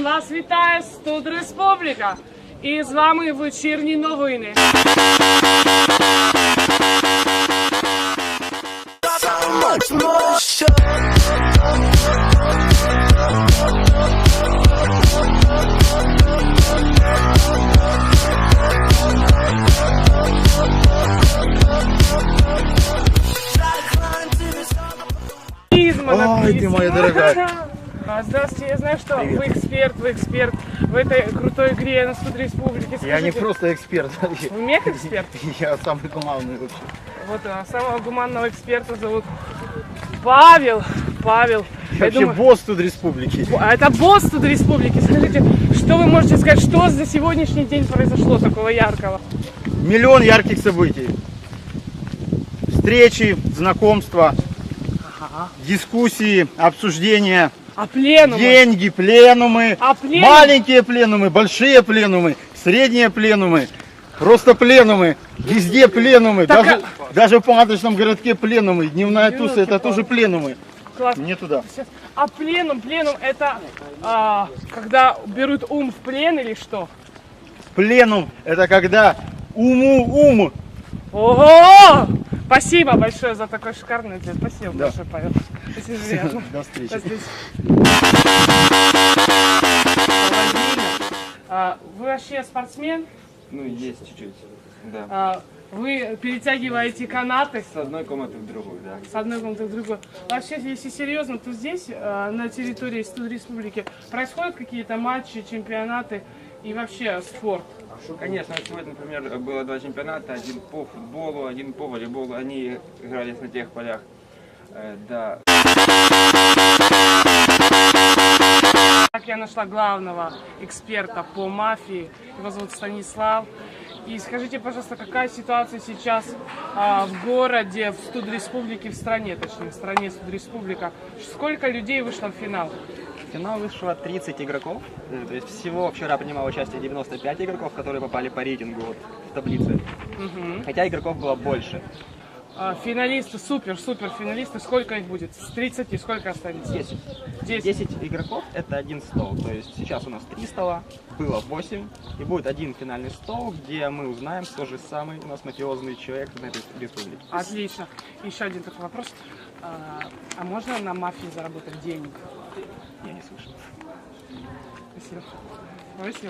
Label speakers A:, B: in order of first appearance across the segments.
A: Вас вітає Студ Республіка. І з вами вечірні новини.
B: Ой, ты моя дорогая.
A: Здравствуйте, я знаю, что вы эксперт в этой крутой игре на Студ Республике.
B: Я не просто эксперт.
A: Вы мега-эксперт?
B: Я самый гуманный вообще.
A: Вот самого гуманного эксперта зовут Павел.
B: Я вообще босс Студ Республики.
A: Это босс Студ Республики. Скажите, что вы можете сказать, что за сегодняшний день произошло такого яркого?
B: Миллион ярких событий. Встречи, знакомства, дискуссии, обсуждения.
A: А пленумы?
B: Деньги, пленумы,
A: А пленум?
B: маленькие пленумы, большие пленумы, средние пленумы, просто пленумы, везде пленумы,
A: Так,
B: даже в палаточном городке пленумы, дневная туса, это тоже пленумы.
A: Класс.
B: Не туда.
A: А пленум это когда берут ум в плен или что?
B: Пленум это когда ум.
A: Ого! Спасибо большое за такой шикарный ответ. Спасибо
B: Да.
A: большое, Павел. Спасибо, приятно.
B: До встречи.
A: До встречи. Вы вообще спортсмен?
C: Ну, есть чуть-чуть, да.
A: Вы перетягиваете канаты
C: С одной комнаты в другую, да.
A: с одной комнаты в другую. Вообще, если серьезно, то здесь, на территории Студ Республики, происходят какие-то матчи, чемпионаты и вообще спорт?
C: Конечно, сегодня, например, было два чемпионата, один по футболу, один по волейболу. Они игрались на тех полях, да.
A: Так, я нашла главного эксперта по мафии, его зовут Станислав. И скажите, пожалуйста, какая ситуация сейчас в городе, в Студ Республике, в стране, точнее, в стране Студ Республика? Сколько людей вышло в финал?
D: В финал вышло 30 игроков, то есть всего вчера принимало участие 95 игроков, которые попали по рейтингу вот в таблице, хотя игроков было больше.
A: Финалисты, супер финалисты, сколько их будет? С 30 сколько останется?
D: 10. 10 игроков это один стол, то есть сейчас у нас 3 стола, было 8, и будет один финальный стол, где мы узнаем, кто же самый у нас мафиозный человек на этой республике.
A: Отлично. Еще один такой вопрос. А можно на мафии заработать денег?
D: Я не слышал.
A: Спасибо.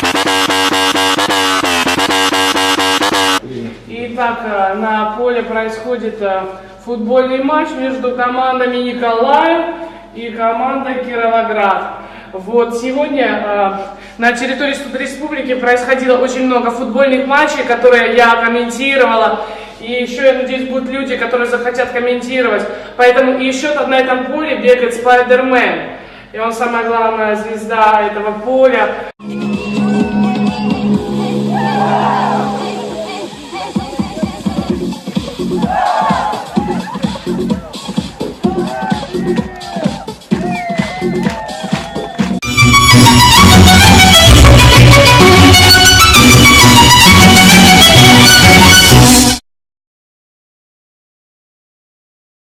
A: Итак, на поле происходит футбольный матч между командами Николаев и командой Кировоград. Вот сегодня на территории Студ Республики происходило очень много футбольных матчей, которые я комментировала. И еще, я надеюсь, будут люди, которые захотят комментировать. Поэтому и еще на этом поле бегает Спайдермен. И он самая главная звезда этого поля.